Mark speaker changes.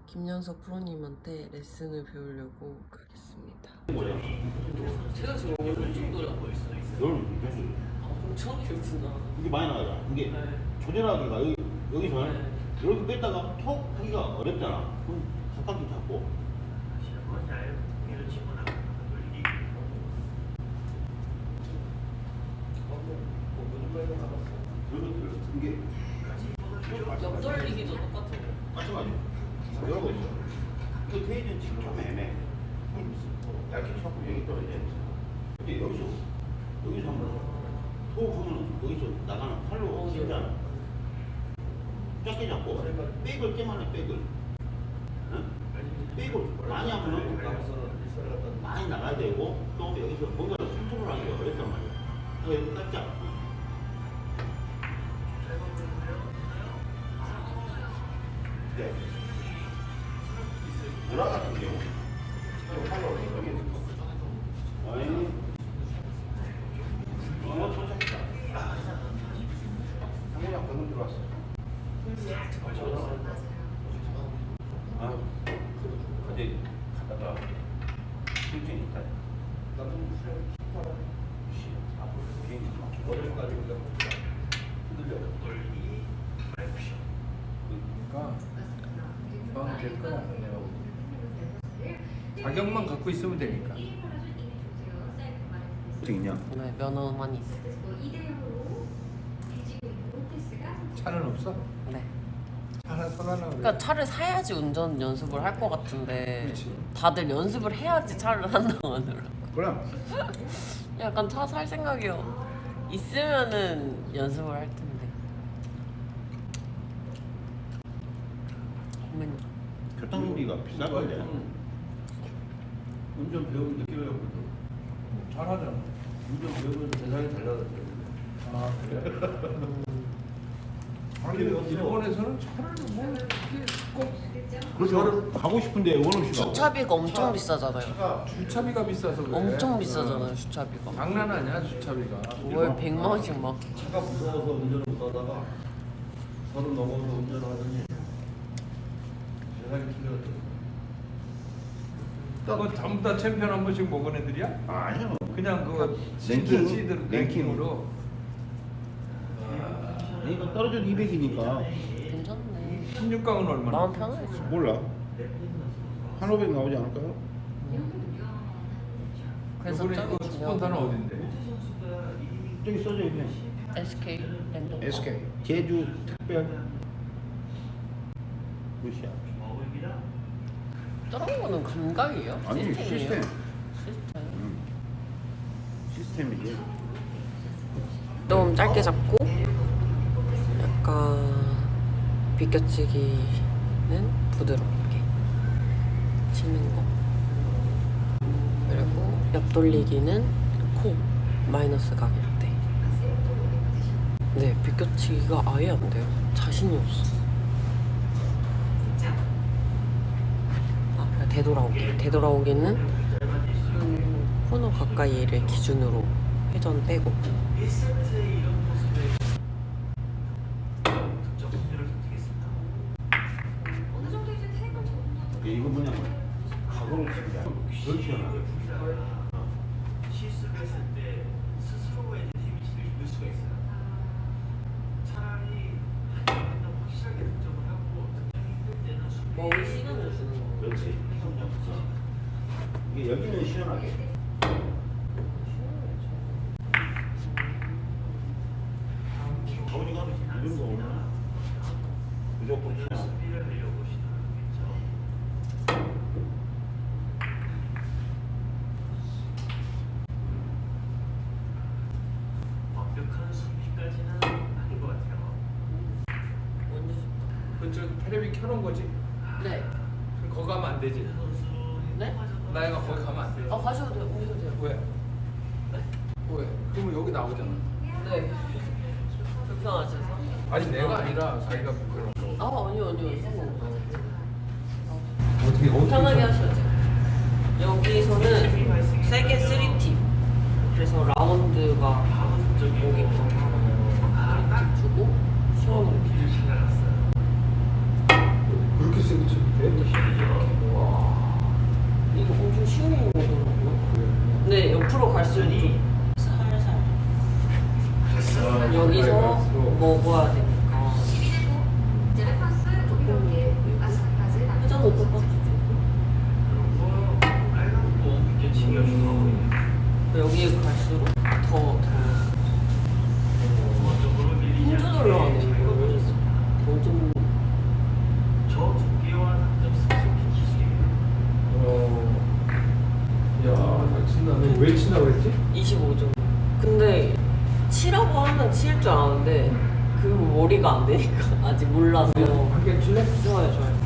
Speaker 1: 김연석 프로님한테 레슨을 배우려고 가겠습니다.
Speaker 2: 제가 지금 엄청 노래하고 있어요. 엄청 길구나.
Speaker 3: 이게 많이 나가잖아. 이게 조절하기가 여기서 이렇게 뺐다가 톡 하기가 어렵잖아. 그럼 가깝게 잡고. 이게
Speaker 2: 옆 돌리기도 똑같아요.
Speaker 3: 마찬가지. 이러고 있어. 이거 테이는 지금 좀 애매해. 얇게 잡고 여기 떨어져야 돼. 근데 여기서 한번 톡 하면 여기서 나가는 팔로 치잖아. 작게 잡고 백을 깨만 해. 백을 많이 하면 많이 나가야 되고 또 여기서 뭔가를 컨트롤하기가 어렵단 말이야. 그래서 여기 딱 잡고 네. 누라 같은 경우 팔로 여기 아니 도착했다. 한국장 방금 들어왔어. 아, 어제 갔다가 일정이 있다. 나도 비행기 어디까지 흔들려.
Speaker 4: 그러니까 금방 될 거야. 자격만 갖고 있으면 되니까.
Speaker 3: 어떻게 있냐?
Speaker 1: 네, 면허만 있어.
Speaker 4: 차는 없어?
Speaker 1: 네.
Speaker 4: 하나 사달라고 그래.
Speaker 1: 그러니까 차를 사야지 운전 연습을 할 것 같은데
Speaker 4: 그렇지.
Speaker 1: 다들 연습을 해야지 차를 한다고 하더라고.
Speaker 4: 그럼
Speaker 1: 약간 차 살 생각이요. 있으면은 연습을 할 텐데. 어머니.
Speaker 3: 교통비가 비쌀 건데.
Speaker 5: 운전 배우면 느껴요.
Speaker 4: 잘하잖아.
Speaker 5: 운전 배우면 세상이 달라졌어요.
Speaker 4: 아 그래? 아니 일본에서는 차를 뭐 이렇게 꼭
Speaker 3: 그래서 가고 싶은데 원 없이 가고.
Speaker 1: 주차비가 엄청 비싸잖아요.
Speaker 4: 주차비가 비싸서 그래.
Speaker 1: 엄청 비싸잖아요, 주차비가.
Speaker 4: 장난 아니야 주차비가.
Speaker 1: 월 100만 원씩 막.
Speaker 5: 차가 무서워서 운전을 못하다가 30 넘어서 운전을 하더니 세상이 틀려졌어요.
Speaker 4: 그 전부 다 챔피언 한 번씩 먹은 애들이야?
Speaker 3: 아니요.
Speaker 4: 그냥 그
Speaker 3: 랭킹,
Speaker 4: 시드
Speaker 3: 랭킹으로. 이거 떨어져도 200이니까
Speaker 1: 괜찮네.
Speaker 4: 16강은 얼마나?
Speaker 1: 마음 편하지.
Speaker 3: 몰라. 한 500 나오지 않을까요?
Speaker 1: 그래서
Speaker 4: 이번에
Speaker 1: 저기
Speaker 4: 그 스폰타는
Speaker 1: 중요한
Speaker 4: 어딘데?
Speaker 3: 저기 써져 있네.
Speaker 1: SK 랜덤.
Speaker 3: SK 제주 특별 루시아.
Speaker 1: 저런 거는 감각이에요?
Speaker 3: 아니
Speaker 1: 시스템이에요?
Speaker 3: 시스템.
Speaker 1: 시스템.
Speaker 3: 시스템이지.
Speaker 1: 좀 짧게 잡고 약간 비껴치기는 부드럽게 치는 거. 그리고 옆 돌리기는 코 마이너스 각일 때. 네, 비껴치기가 아예 안 돼요. 자신이 없어. 아, 되돌아오기는 코너 가까이를 기준으로 회전 빼고.
Speaker 3: 이거 뭐냐면 각오를 치자. 덜 시원하게.
Speaker 6: 실수를 했을 때 스스로의 데미지를 입을 수가 있어요. 차라리 한번 확실하게 득점을 하고 득점이 힘들 때는
Speaker 1: 먹을 시간을 주는 거.
Speaker 3: 그렇지. 이게 여기는 시원하게. 가오리가 이런 거 오면 무조건 시원하게.
Speaker 6: 수비를 하려고 시도하겠죠. 완벽한 수비까지는 아닌 것 같아요.
Speaker 1: 언제
Speaker 4: 그저 테레비 켜놓은 거지?
Speaker 1: 네.
Speaker 4: 그럼 거기 가면 안 되지?
Speaker 1: 네?
Speaker 4: 나이가 거기 가면 안 되지?
Speaker 1: 가셔도 돼요. 오셔도 돼요.
Speaker 4: 왜? 왜? 그러면 여기 나오잖아.
Speaker 1: 네. 불편하셔서?
Speaker 4: 아니 내가 아니라 자기가 그런 거.
Speaker 1: 아니요.
Speaker 4: 어떻게
Speaker 1: 편하게 하셔야죠. 여기서는 세게 3팁. 그래서 라운드가 오게끔 3팁 주고 시원하게.
Speaker 4: 그렇게 세게 쳐도 돼? 왜 친다고 그랬지?
Speaker 1: 25점. 근데 치라고 하면 칠 줄 아는데 그 머리가 안 되니까 아직 몰라서.
Speaker 4: 함께 칠래?
Speaker 1: 좋아요, 좋아요.